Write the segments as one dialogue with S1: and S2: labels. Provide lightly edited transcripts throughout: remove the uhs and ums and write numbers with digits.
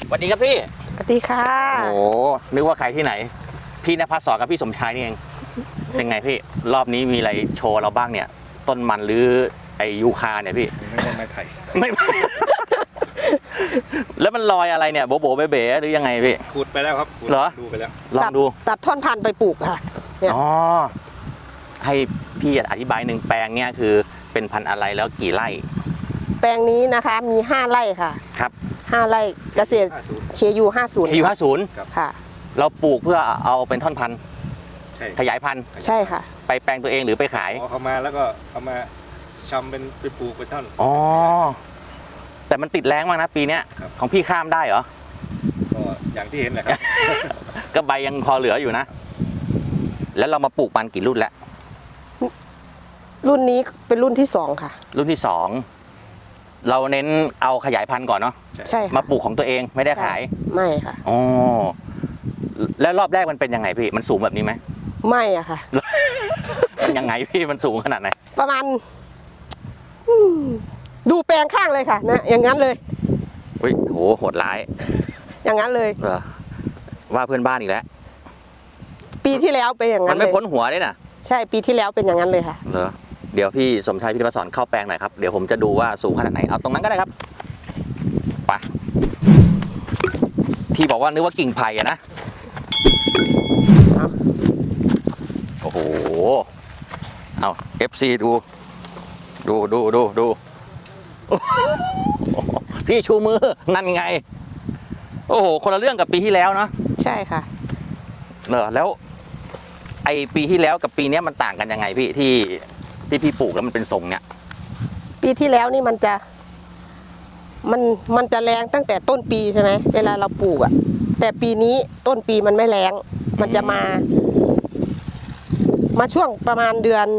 S1: สวัสดีครับพี่
S2: สวัสดีค่ะ
S1: โอ้โหนึกว่าใครที่ไหนพี่ณภัสสรกับพี่สมชายนี่เองเป็นไงพี่รอบนี้มีอะไรโชว์เราบ้างเนี่ยต้นมันหรือไอยูคาเนี่ยพี่
S3: ไม่ได้ไม้ไผ่
S1: ไม่ แล้วมันลอยอะไรเนี่ยโบโบเบเบ๋หรือยังไงพี่
S3: ขุดไปแล้วครับขุด
S1: เหรอ
S3: ดูไปแล้ว
S1: ลองดู
S2: ตัดท่อนพันธุ์ไปปลูกค่ะเนี่ย
S1: อ๋อให้พี่อธิบายหนึ่งแปลงเนี่ยคือเป็นพันธุ์อะไรแล้วกี่ไร่
S2: แปลงนี้นะคะมี5ไร่ค่ะ
S1: ครับ
S2: 5ไร่เกษตร
S3: 50
S2: เชียยู50
S1: อายุ50
S2: ค่ะ
S1: เราปลูกเพื่อเอาเป็นท่อนพันธุ์
S3: ใช่
S1: ขยายพันธุ์
S2: ใช่ค่ะ
S1: ไปแปลงตัวเองหรือไปขาย
S3: เอาเข้ามาแล้วก็เอามาชำเป็นไปปลูกเป็นท่อน
S1: อ๋อแต่มันติดแรงมากนะปีเนี้ย
S3: ครับ
S1: ของพี่ข้ามได้เหรอ
S3: ก็อย่างที่เห็นแหละครับ
S1: ก็ใบยังพอเหลืออยู่นะ แล้วเรามาปลูกมันกี่รุ่นแล้ว
S2: รุ่นนี้เป็นรุ่นที่2ค่ะ
S1: รุ่นที่ 2 เราเน้นเอาขยายพันธุ์ก่อนเนาะ
S2: ใช่ค่ะ
S1: มาปลูกของตัวเองไม่ได้ขาย
S2: ไม่ค่ะ
S1: อ๋อแล้วรอบแรกมันเป็นยังไงพี่มันสูงแบบนี้ไหม
S2: ไม่อะค่ะ
S1: มันยังไงพี่มันสูงขนาดไหน
S2: ประมาณอืมดูแปลงข้างเลยค่ะนะอย่างนั้นเลย
S1: เฮ้ยโหโหดร้าย
S2: อย่างนั้นเลย
S1: เหรอว่าเพื่อนบ้านอีกแล้ว
S2: ปีที่แล้วเป็นอย่าง
S1: มั
S2: นั้น น
S1: ไม่
S2: เลย
S1: พ้นหัวเลยนะ
S2: ใช่ปีที่แล้วเป็นอย่างนั้นเลยค่ะ
S1: เหรอเดี๋ยวพี่สมชายพิทยาสอนเข้าแปลงหน่อยครับเดี๋ยวผมจะดูว่าสูงขนาดไหนเอาตรงนั้นก็ได้ครับไปที่บอกว่านึกว่ากิ่งไผ่อะนะ
S2: เอา
S1: โอ้โหเอา FC ดูโอ้โหพี่ชูมือนั่นไงโอ้โหคนละเรื่องกับปีที่แล้วเนาะ
S2: ใช่ค่ะ
S1: เหรอแล้วไอปีที่แล้วกับปีเนี้ยมันต่างกันยังไงพี่ที่พี่ปลูกแล้วมันเป็นทรงเนี้ย
S2: ปีที่แล้วนี่มันจะจะแรงตั้งแต่ต้นปีใช่ไหมเวลาเราปลูกอะแต่ปีนี้ต้นปีมันไม่แรงมันจะมาช่วงประมาณเดือน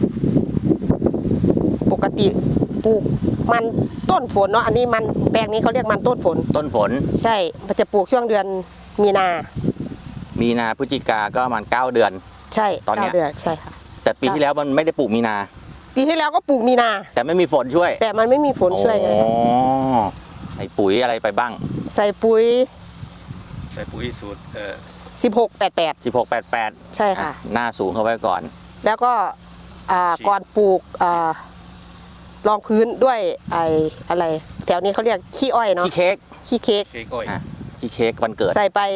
S2: ปกติปลูกมันต้นฝนเนาะอันนี้มันแปลงนี้เขาเรียกมันต้นฝน
S1: ต้นฝน
S2: ใช่มันจะปลูกช่วงเดือนมีนา
S1: มีนาพฤศจิกาก็ประมาณ9เดือน
S2: ใช่
S1: ตอนเนี้ย
S2: 9 เดือนใช่ค่ะ
S1: แต่ปีที่แล้วมันไม่ได้ปลูกมีนา
S2: ปีที่แล้วก็ปลูกมีนา
S1: แต่ไม่มีฝนช่วย
S2: แต่มันไม่มีฝนช่วยไง
S1: อ๋อใส่ปุ๋ยอะไรไปบ้าง
S2: ใส่ปุ๋ย
S3: ใส่ปุ๋ยสูตร
S2: 1688
S1: 1688
S2: ใช่ค่ะ
S1: หน้าสูงเข้าไว้ก่อน
S2: แล้วก็ก่อนปลูกรองพื้นด้วยอะไรแถวนี้เขาเรียกขี้อ้อยเนาะ
S1: ขี้เค้ก
S2: ขี้เค้ก
S3: เค้กอ้อย
S1: อ่ะขี้เค้กวันเกิด
S2: ใส่ไป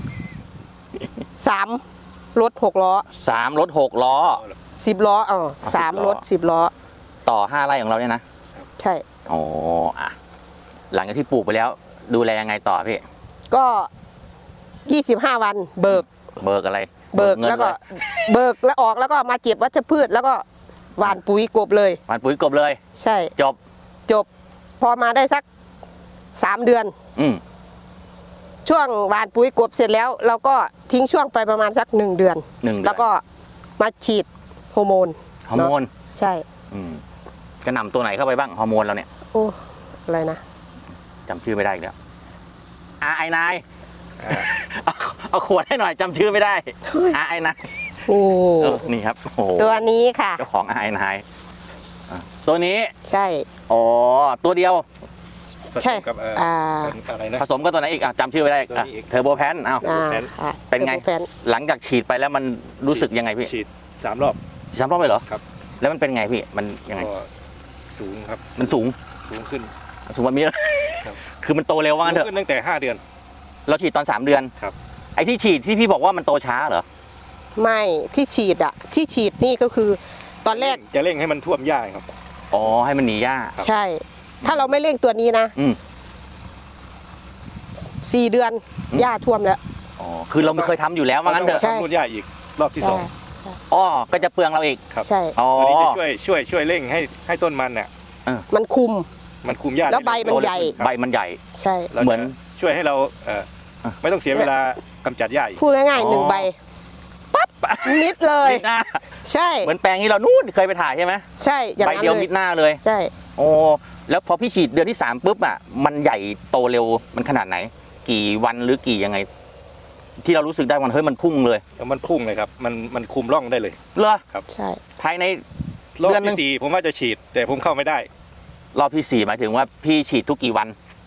S2: 3รถ6 ล้อ
S1: 3รถ6ล้อ
S2: 10 ล้อ3 รถ 10 ล้อ
S1: ต่อ5ไร่ของเราเนี่ยนะ
S2: ใช่
S1: อ๋ออ่ะหลังจากที่ปลูกไปแล้ว ดูแลยังไงต่อพี่
S2: ก็25 วันเบิก
S1: เบิกอะไร
S2: เบิก
S1: งิน
S2: แล้วก็
S1: เย
S2: เบิกแล้วออกแล้วก็มาเก็บวัชพืชแล้วก็หว่านปุ๋ยกบเลย
S1: หว่านปุ๋ยกบเลย
S2: ใช่
S1: จบ
S2: จบพอมาได้สัก3 เดือน
S1: อืม
S2: ช่วงหว่านปุ๋ยกบเสร็จแล้ว เราก็ทิ้งช่วงไปประมาณสัก1 เดือน
S1: 1 เดือน
S2: แล้วก็มาฉีดฮอร์โมน
S1: ฮอร์โมน
S2: เนาะใช่
S1: อืมกระหน่ำตัวไหนเข้าไปบ้างฮอร์โมนเราเนี่ย
S2: โอ้อะไรนะ
S1: จำชื่อไม่ได้อีกแล้วไอ้นายเอาขวดให้หน่อยจำชื่อไม่ได้ไอ้นาย
S2: นี่
S1: นี่ครับโอ้โห
S2: ตัวนี้ค่ะ
S1: เจ้าของไอ้นายตัวนี้
S2: ใช่
S1: อ๋อตัวเดียว
S3: ผส
S2: ใช่
S3: มกับ อะไรนะ
S1: ผสมกับตัวไหนอีกจำชื่อไม่ได้
S3: ตัวนี้อีก
S1: เทอร์โบแพนเอา
S2: ค่ะ
S1: เป็นไง
S2: ทอร์โบแพน
S1: หลังจากฉีดไปแล้วมันรู้สึกยังไงพี่
S3: ฉีด3 รอบ
S1: 3 รอบเลยเหรอ
S3: ครับ
S1: แล้วมันเป็นไงพี่มันยังไง
S3: ก็สูงครับ
S1: มันสูง
S3: สูงขึ้น
S1: สูงแบบนี้เลย
S3: ครับ
S1: คือมันโตเร็วว่างั้นเถ
S3: สู
S1: อะ
S3: งขึ้นตั้งแต่5 เดือน
S1: เราฉีดตอน3 เดือน
S3: ครับ
S1: ไอ้ที่ฉีดที่พี่บอกว่ามันโตช้าเหรอ
S2: ไม่ที่ฉีดอะที่ฉีดนี่ก็คือตอนแรก
S3: จะเร่งให้มันท่วมหญ้าครับ
S1: อ๋อให้มันหนีหญ้า
S2: ใช่ ถ้าเราไม่เร่งตัวนี้นะ
S1: อืม
S2: 4 เดือนหญ้าท่วมแล้ว
S1: อ๋อคือเราไม่เคยทำอยู่แล้วว่างั้นเถอะ
S2: ใช่
S3: ทำนู่นหญ้าอีกรอบที่
S2: ใช่
S1: อ๋อก็จะเปลืองเราอีก
S3: ครับ
S2: ใช่
S1: อ๋อ
S3: 2ตัวนี้จะช่วยเร่งให้ต้นมันเนี่ย
S2: มันคุม
S3: มันคุมหญ้า
S2: แล้วใบมันใหญ่
S1: ใบมันใหญ่
S2: ใช่
S3: แล้ว
S1: เหมือน
S3: ช่วยให้เราไม่ต้องเสียเวลากำจัดหญ้าอีก
S2: พูดง่าย
S1: อ๋อ
S2: ๆ1 ใบปั๊บมิดเลย
S1: มิดหน้า
S2: ใช่
S1: เหมือนแปลงนี้เรานู่นเคยไปถ่ายใช่ไหม
S2: ใช่อย่าง
S1: ใบ
S2: นั้น
S1: เดียว
S2: เล
S1: มิ
S2: ย
S1: ดหน้าเลย
S2: ใช่
S1: โอ้แล้วพอพี่ฉีดเดือนที่3ปุ๊บอ่ะมันใหญ่โตเร็วมันขนาดไหน กี่วันหรือกี่ยังไง ที่เรารู้สึกได้วันเฮ้ยมันพุ่งเลย
S3: แล้วมันพุ่งเลยครับมันคุมร่องได้เลย
S1: เหรอ
S2: ใช่
S1: ภายใน
S3: รอบ
S1: เดือนหนึ่ง
S3: ที่ 4ผมว่าจะฉีด แต่ผมเข้าไม่ได้
S1: รอบที่4หมายถึงว่าพี่ฉีดทุกกี่วัน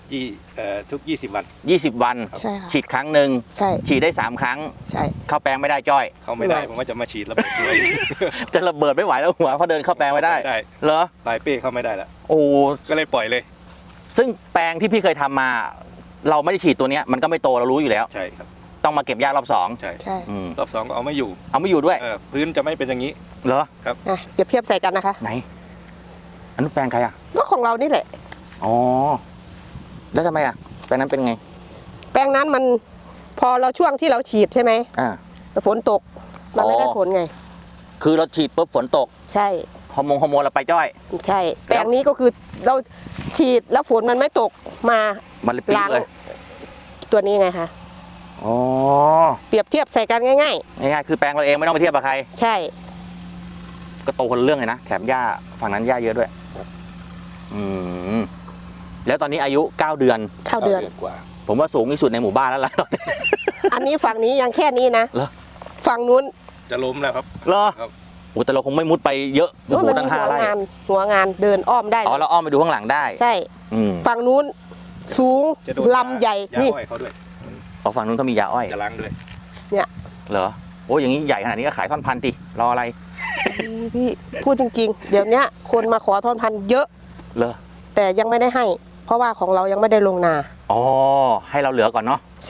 S3: ทุก20 วัน
S1: 20 วัน
S2: ใช่ค่ะ
S1: ฉีดครั้งหนึ่ง
S2: ใช่
S1: ฉีดได้ 3 ครั้ง
S2: ใช่
S1: เข้าแปลงไม่ได้จ้อย
S3: เขาไม่ได้
S2: ไม่
S3: ผมว่าจะมาฉีดระเบิดด้วย
S1: จะระเบิดไม่ไหวแล้วหัวเพราะเดินเข้าแปลงไม่ได้
S3: ได้
S1: เหรอ
S3: ปลายเป้เข้าไม่ได้แล้ว
S1: โอ้
S3: ก็เลยปล่อยเลย
S1: ซึ่งแปลงที่พี่เคยทำมา เราไม่ได้ฉีดตัวเนี้ยมันก็ไม่โตเรารู้อยู่แล้ว
S3: ใช่ครับ
S1: ต้องมาเก็บหญ้ารอบสอง
S3: ใช่
S2: ใช่
S3: รอบ 2ก็เอาไม่อยู่
S1: เอาไม่อยู่ด้วย
S3: พื้นจะไม่เป็นอย่างนี้
S1: เหรอ
S2: อ่ะเปรียบเทียบใส่กันนะคะ
S1: ไหนอันนู้นแปลงใครอ่ะ
S2: ก็ของเรานี่แหละ
S1: อ๋อแล้วทำไมอ่ะแปลงนั้นเป็นไง
S2: แปลงนั้นมันพอเราช่วงที่เราฉีดใช่ไหม
S1: อ่า
S2: ฝนตกมันไม่ได้
S1: อ๋อ
S2: ผลไง
S1: คือเราฉีดปุ๊บฝนตก
S2: ใช่
S1: ฮอร์โมนเราไปจ้อย
S2: ใช่ แปลงนี้ก็คือเราฉีดแล้วฝนมันไม่ตกมา
S1: มันเลยปี๊ด
S2: ล้าง
S1: เลย
S2: ตัวนี้ไงคะ
S1: อ๋อ
S2: เปรียบเทียบใส่กันง่าย
S1: ง่ายๆคือแปลงเราเองไม่ต้องไปเทียบกับใคร
S2: ๆ ใช่
S1: ก็โตคนละเรื่องเลยนะแถมหญ้าฝั่งนั้นหญ้าเยอะด้วยอืมแล้วตอนนี้อายุ 9 เดือน
S2: เข้าเดือน
S3: กว่า
S1: ผมว่าสูงที่สุดในหมู่บ้านแล้วล่ะ
S2: อันนี้ฝั่งนี้ยังแค่นี้นะ
S1: เหรอ
S2: ฝั่งนู้น
S3: จะล้มแล้วครับ
S1: เหรอ
S3: ครับ
S1: โอ้แต่เราคงไม่มุดไปเยอะโอ้โห
S2: มั
S1: ตั้ง
S2: มี
S1: 5 ไร่
S2: หัวงานเดินอ้อมได้
S1: อ๋อเราอ้อมไปดูข้างหลังได้
S2: ใช่
S1: อืม
S2: ฝั่งนู้นสูง
S3: จะโดน
S2: ลำใหญ่
S3: ยา
S2: นี่
S3: อ้อยเขาด้วย
S1: อ๋อฝั่งนู้นเขามียาอ้อย
S3: จะล้างด้วย
S1: เหรอโอ้อย่างนี้ใหญ่ขนาดนี้ก็ขายท่อนพันติรออะไร
S2: พี่พูดจริงๆ เดี๋ยวนี้คนมาขอทอนพันเยอะ
S1: เหรอ
S2: แต่ยังไม่ได้ให้ เพราะว่าของเรายังไม่ได้ลงนา
S1: อ๋อให้เราเหลือก่อนเนาะ
S2: ใช่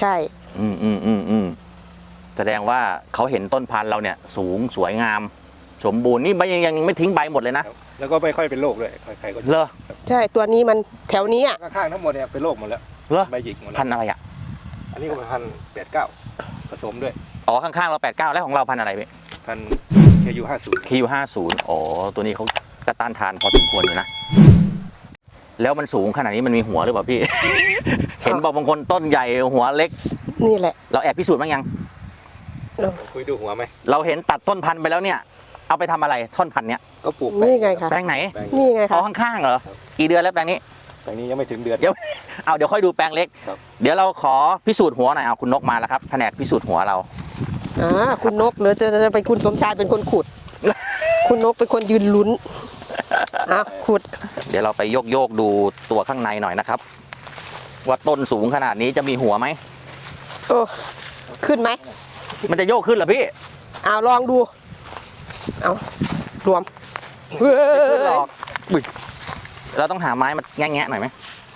S1: แสดงว่าเขาเห็นต้นพันธุ์เราเนี่ยสูงสวยงาม สมบูรณ์นี่ไม่ยังไม่ทิ้งใบหมดเลยนะ
S3: ครับแล้วก็ไม่ค่อยเป็นโรคด้วยใครๆก็
S1: เหรอ
S2: ใช่ตัวนี้มันแถวนี้อ่ะ
S3: ข้างๆทั้งหมดเนี่ยเป็นโรคหมดแล้ว
S1: เหรอ
S3: ใบหยิกหมดแล้ว
S1: พันธุ์อะไรอ่ะ
S3: อันนี้ก็เป็นพัน89ผสมด้วย
S1: อ๋อข้างๆเรา89แล้วของเราพันธุ์อะไรพี่
S3: พันเคยู50
S1: KU50อ๋อตัวนี้เขากระต้านทานพอสมควรอยู่นะแล้วมันสูงขนาดนี้มันมีหัวหรือเปล่าพี่ เห็นบอกบางคนต้นใหญ่หัวเล็ก
S2: นี่แหละ
S1: เราแอบพิสูจน์บ้างยัง
S3: คุยดูหัวไหม
S1: เราเห็นตัดต้นพันธุ์ไปแล้วเนี่ย เอาไปทำอะไรท่อนพันธุ์เนี้ย
S3: ก็ปลูก
S2: นี่ไงคะ
S1: แปลงไหน
S3: แปลง
S2: นี่ไง
S1: อ๋อ
S2: คะ
S1: ข้างๆเหรอกี่เดือนแล้วแปลงนี้
S3: แปลงนี้ยังไม่ถึงเดือน
S1: เดี๋ยว เดี๋ยวค่อยดูแปลงเล็ก
S3: ครับ
S1: เดี๋ยวเราขอพิสูจน์หัวหน่อยเอาคุณนกมาแล้วครับแผนกพิสูจน์หัวเรา
S2: คุณนกหรือจะเป็นคุณสมชายเป็นคนขุด คุณนกเป็นคนยืนลุ้นขุด
S1: เดี๋ยวเราไปโยกดูตัวข้างในหน่อยนะครับ ว่าต้นสูงขนาดนี้จะมีหัวไหม
S2: โอ้ขึ้นไหม
S1: มันจะโยกขึ้นเหรอพี่
S2: เอาลองดู เอารวมเฮ้
S1: ไม่ขึ้นหร
S2: ย
S1: อกอุ๊ยเราต้องหาไม้มาแงะๆหน่อยไหม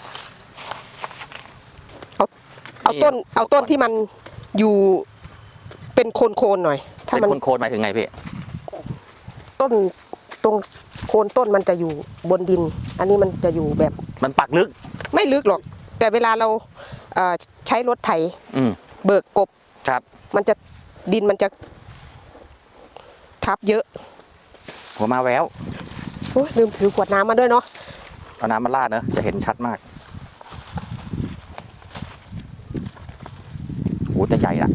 S2: เอาต้นที่มันอยู่เป็นโคนๆหน่อย ถ้า
S1: เป็น
S2: มัน
S1: โคนๆหมายถึงไงพี่
S2: ต้นตรงโคนต้นมันจะอยู่บนดิน อันนี้มันจะอยู่แบบ
S1: มันปักลึก
S2: ไม่ลึกหรอก แต่เวลาเราใช้รถไถ
S1: อืม
S2: เบิกกบ
S1: ครับ
S2: มันจะดินมันจะทับเยอะ
S1: หัวมาแวว
S2: โอ้ยลืมถือขวดน้ำมาด้วยเนาะ
S1: เอาน้ำมาราดเนอะจะเห็นชัดมากโอ้แต่ใหญ่ละ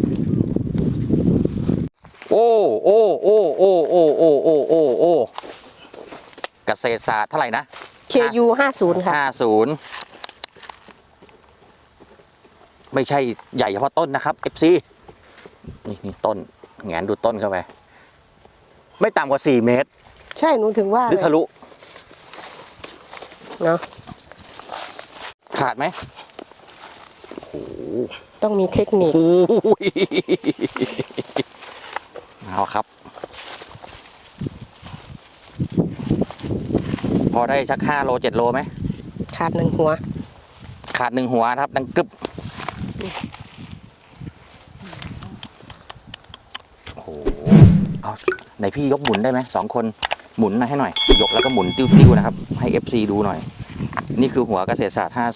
S1: โอ้เกษตรศาสตร์เท่าไหร่นะ
S2: KU 50ค่ะ
S1: 50ไม่ใช่ใหญ่เฉพาะต้นนะครับ FC นี่ต้นแงนดูต้นเข้าไป ไม่ต่ำกว่า 4 เมตร
S2: ใช่หนูถึงว่า
S1: หรือทะลุ
S2: เนาะ
S1: ขาดไหม
S2: ต้องมีเทคนิค
S1: โอ้ยเอาครับ พอได้สัก5 โล 7 โลไหม
S2: ขาดหนึ่งหัว
S1: ขาด1 หัวนะครับ ดังกึบโอ้โหเอาไหนพี่ยกหมุนได้ไหม2 คนหมุนให้หน่อย ยกแล้วก็หมุนติ้วๆนะครับ ให้ FC ดูหน่อย นี่คือหัวเกษตรศาสตร์50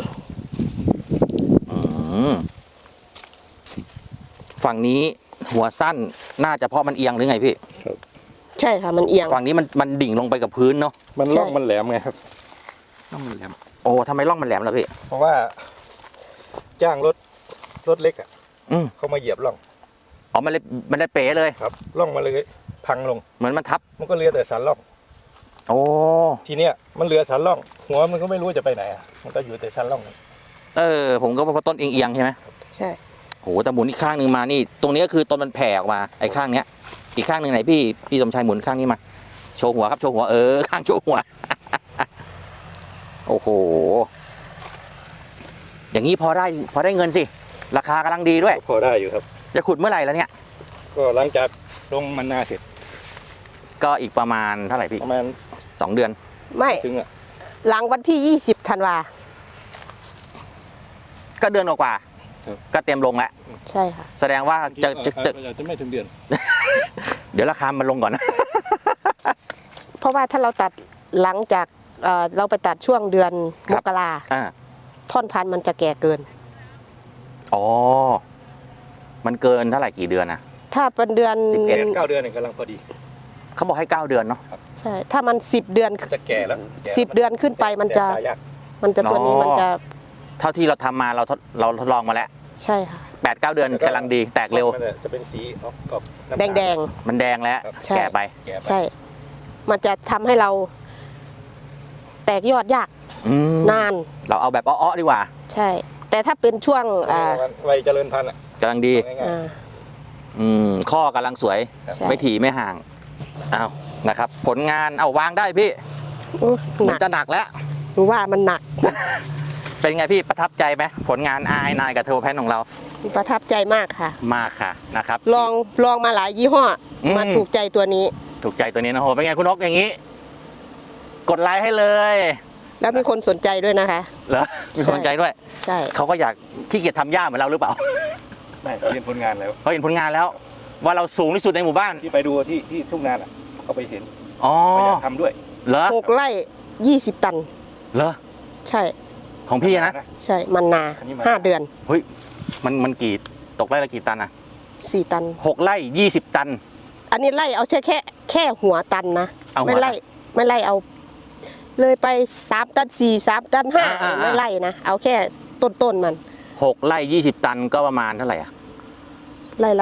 S1: ฝั่งนี้หัวสั้นน่าจะเพราะมันเอียงหรือไงพี่
S2: ใช่ค่ะมันเอียง
S1: ฝั่งนี้มันดิ่งลงไปกับพื้นเนาะ
S3: มัน
S2: ใช่
S3: ร่องมันแหลมไงครับร่องมันแหลม
S1: โอ้ทำไมร่องมันแหลมล่ะพี่
S3: เพราะว่าจ้างรถเล็กอ่ะ
S1: อืม
S3: เขามาเหยียบร่อง
S1: อ๋อมันได้เป๋เลย
S3: ครับร่องมาเลยพังลง
S1: เหมือนมันทับ
S3: มันก็เหลือแต่สันร่อง
S1: โอ้
S3: ทีเนี้ยมันเหลือสันร่อง หัวมันก็ไม่รู้จะไปไหนอ่ะมันก็อยู่แต่สันร่อง
S1: ผมก็ว่าเพราะต้นเอียงๆใช่ไหม
S2: ใช่
S1: โหแต่หมุนอีกข้างหนึ่งมานี่ตรงนี้ก็คือต้นมันแผ่ออกมาไอ้ข้างเนี้ยอีกข้างหนึ่งไหนพี่สมชายหมุนข้างนี้มาโชว์หัวครับโชว์หัวข้างโชว์หัว โอ้โหอย่างนี้พอได้เงินสิราคากำลังดีด้วย
S3: พอได้อยู่ครับ
S1: จะขุดเมื่อไหร่แล้วเนี่ย
S3: ก็หลังจากลงมันนาเสร็จ
S1: ก็อีกประมาณเท่าไหร่พี่
S3: ประมาณ
S1: 2 เดือน
S2: ไม่
S3: ถึงอ่ะ
S2: หลังวันที่20ธันวา
S1: ก็เดือนกว่าๆก็เตรียมลงแล้ว
S2: ใช่ค่ะ
S1: แสดงว่าจะ
S3: จะไม่ถึงเดือน
S1: เดี๋ยวราคามันลงก่อนนะ
S2: เพราะว่าถ้าเราตัดหลังจากเราไปตัดช่วงเดือน
S1: ค
S2: ม
S1: รับ
S2: กรา
S1: อ่า
S2: ท่อนพันธุ์มันจะแก่เกิน
S1: อ๋อมันเกินเท่าไหร่กี่เดือนนะ
S2: ถ้าเป็นเดือน
S3: 9 เดือนเนี่ยกำลังพอดี
S1: เขาบอกให้9 เดือนเนาะ
S2: ใช่ถ้ามัน10 เดือน
S3: จะแก่แล้ว
S2: 10 เดือนขึ้นไปมันจะ
S3: แตกยาก
S2: ตัวนี้มันจะ
S1: เท่าที่เราทำมาเราทดลองมาแล้ว
S2: ใช่ค่ะ
S1: 8-9 เดือนกำลังดีแตกเร็ว
S3: มันจะเป็นสีออกน้ำ
S2: แด
S3: ตาล
S2: งแดง
S1: มันแดงแล้ว
S2: ใช่
S1: แก่ไป
S3: แก่ไป
S2: ใช่ มันจะทำให้เรา แตกยอดยาก
S1: อืม
S2: นาน
S1: เราเอาแบบอ้อๆดีกว่า
S2: ใช่ แต่ถ้าเป็นช่วง
S3: วัยเจริญพันธุ์อ่ะ
S1: กำลังดี
S3: ง่าย
S1: ข้อกำลังสวย
S2: ใช่
S1: ไม่ถี่ไม่ห่างเอานะครับ ผลงานเอาวางได้พี่
S2: โอ้ห
S1: มั
S2: นั
S1: น
S2: ก
S1: จะหนักแล้ว
S2: หนูว่ามันหนัก
S1: เป็นไงพี่ประทับใจไหมผลงานนายกับเทอร์โบแพนของเรา
S2: ประทับใจมากค่ะ
S1: มากค่ะนะครับ
S2: ลองมาหลายยี่ห้ออ
S1: ม
S2: มาถูกใจตัวนี้
S1: ถูกใจตัวนี้นะโหเป็นไงคุณนกอย่างนี้ กดไลค์ให้เลย
S2: แล้วมีคนสนใจด้วยนะคะ
S1: เหรอมีคนใจด้วย
S2: ใช่
S1: เขาก็อยากขี้เกียจทำหญ้าเหมือนเราหรือเปล่า
S3: ๆไม่เรียนผลงานแล้ว
S1: เขาเห็นผลงานแล้ว ว่าเราสูงที่สุดในหมู่บ้าน
S3: ที่ไปดูที่ทุ่งนาอ่ะเขาไปเห็น
S1: อ๋อ
S3: เขาอยากทำด้วย
S1: เหรอ
S2: 6 ไร่ 20 ตัน
S1: เหรอ
S2: ใช่
S1: ของพี่นะ
S2: ใช่ มันนา
S3: อันนี้มัน
S2: 5 เดือน
S1: เฮ้ยมันกี่ตกไร่ละกี่ตันอะ
S2: 4 ตัน
S1: 6 ไร่ 20 ตัน
S2: อันนี้ไล่เอาแค่หัวตันนะ
S1: เอาหัว
S2: ไม่ไล่เอา เลยไป3 ตัน 4 3 ตัน
S1: อ่า
S2: 5ไม่ไล่นะ เอาแค่ต้นมัน
S1: 6 ไร่ 20 ตันก็ประมาณเท่าไหร่อะ
S2: ไล่ละ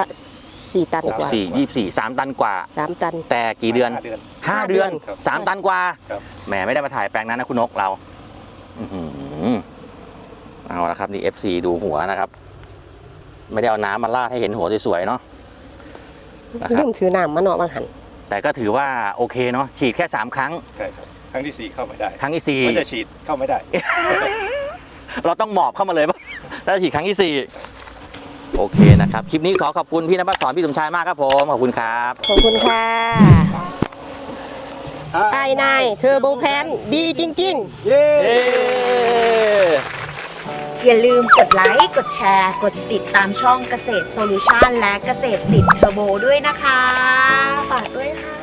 S2: 4 ตันกว่า
S1: 4 24 3 ตันกว่า
S2: 3 ตัน
S1: แต่กี่เดือน
S3: 5 เดือน
S1: 5 เดือน
S3: ครับ
S1: 3 ตันกว่า
S3: ครับ
S1: แหมไม่ได้มาถ่ายแปลงนั้นนะคุณนกเราอื้อหือเอาละครับนี่ FC ดูหัวนะครับ ไม่ได้เอาน้ำมาราดให้เห็นหัวสวยๆเนาะนะค
S2: ลื
S1: รับ
S2: มถือน้ำมาเนาะบางหัน
S1: แต่ก็ถือว่าโอเคเนาะฉีดแค่ 3 ครั้ง
S3: ใช่ครับครั้งที่ 4 เข้าไม่ได้
S1: ครั้งที่
S3: มันจะฉีดเข้าไม่ได้
S1: 4 เราต้องหมอบเข้ามาเลยป่ะถ้าฉีดครั้งที่ 4 โอเคนะครับ คลิปนี้ขอขอบคุณพี่นภัสสอนพี่สมชายมากครับผมขอบคุณครับ
S2: ขอบคุณค่ะไอ้นายเทอร์โบแพนดีจริง ๆ
S3: เย้
S4: อย่าลืมกดไลค์ กดแชร์ กดติดตามช่องเกษตรโซลูชันและเกษตรติดเทอร์โบด้วยนะคะ ฝากด้วยค่ะ